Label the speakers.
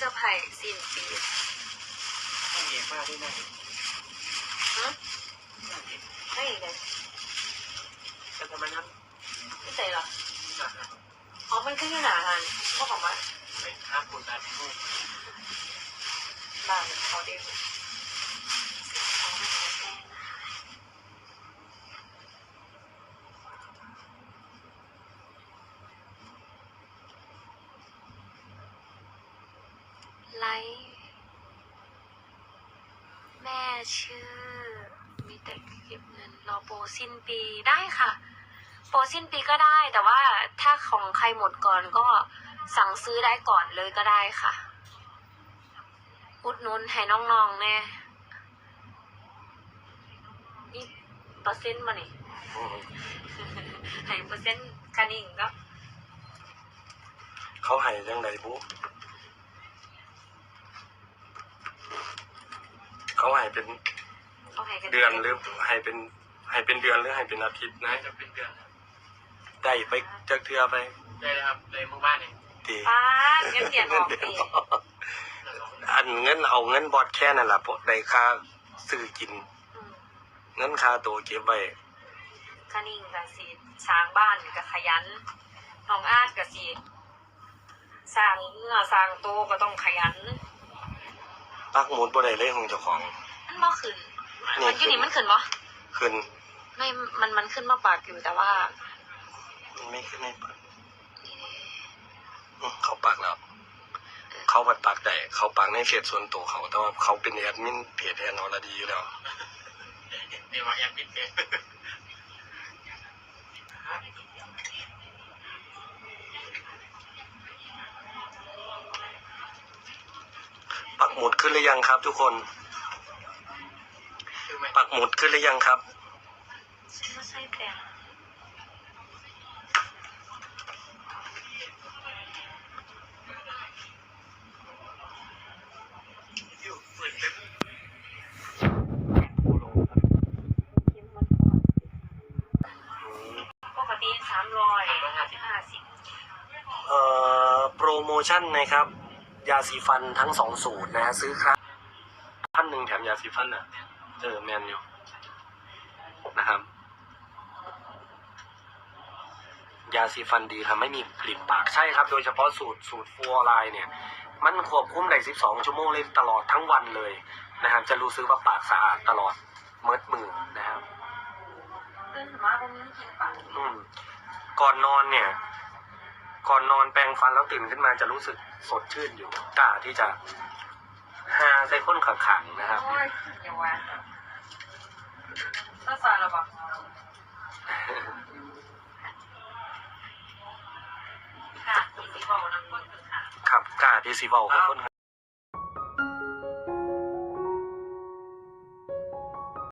Speaker 1: อร์ไพรส์สิ้นปี
Speaker 2: ไม่เห็นมากด้วยนะ
Speaker 1: ไม่เลย
Speaker 2: แต่ทำไมนั้น
Speaker 1: ไม่ใส่หรออ๋อมันขึ้นอยู่หนาทันพวกของมัน
Speaker 2: ไปข้ามคนตายไปนู่น
Speaker 1: บ้านเขาเด็กไลฟ์แม่ชื่อมีแต่เก็บเงินรอโปรสิ้นปีได้ค่ะโปรสิ้นปีก็ได้แต่ว่าถ้าของใครหมดก่อนก็สั่งซื้อได้ก่อนเลยก็ได้ค่ะอุดหนุนให้น้องๆแน่นี่เปอร์เซ็นต์มานี่ให้เปอร์เซ็นต์คันนิ่งก็
Speaker 2: เขาให้ยังไงบุ๊เขาให้เป็นเดือนหรือให้เป็นเดือนหรือให้เป็นอาทิตย์นะจะเป็นเดือนได้ไปจากเทือไปได้เลยครับเลยมือบ้านเอง
Speaker 1: ดีเงินเดือนออกปี
Speaker 2: อันเงินเอาเงินบอดแค่นั่นแหละพวกได้ค่าซื้อกินเงินค่าตัวเก็บไว้
Speaker 1: คันนิ่งกับสีสร้างบ้านกับขยันน้องอาดกับสีสร้างเมื่อสร้างโตก็ต้องขยัน
Speaker 2: ปักหมุดบ่ได้เลยของเจ้าของ
Speaker 1: มันบ่ขึ้นมันอยู่นี่มันขึ้นบ่
Speaker 2: ขึ้น
Speaker 1: ไม่มันขึ้นมาปากอยู่แต่ว่า
Speaker 2: ไม่ขึ้นไม่ปากเขาปากแล้วเขาปัดปากแต่เขาปากในเฟซส่วนตัวเขาแต่ว่าเขาเป็นแอดมินเพจแอนอรดีอยู่แล้วนี่ว่าแอดมินเพจปักหมุดขึ้นหรือยังครับทุกคนปักหมุดขึ้นหรือยังครับ
Speaker 1: ไม่ใช่แต่ปกติ350
Speaker 2: โปรโมชั่นนะครับยาสีฟันทั้ง2สูตรนะฮะซื้อครับ1,000แถมยาสีฟันอ่ะแมนอยู่นะครับยาสีฟันดีทำไม่มีกลิ่นปากใช่ครับโดยเฉพาะสูตรฟัวไลน์เนี่ยมันควบคุมได้12 ชั่วโมงเลยตลอดทั้งวันเลยนะครับจะรู้สึกว่าปากสะอาดตลอดเมิดมือนะครับก่อนนอนเนี่ยก่อนนอนแปรงฟันแล้วตื่นขึ้นมาจะรู้สึกสดชื่นอยู่กล้าที่จะหาใส่ข้นขังๆนะครับ
Speaker 1: อย่างว่าถ้าสารหรอปะค่ะที่สีบอกน้ำข้นค่ะ
Speaker 2: ครับกล้าที่สีบอกกับข้น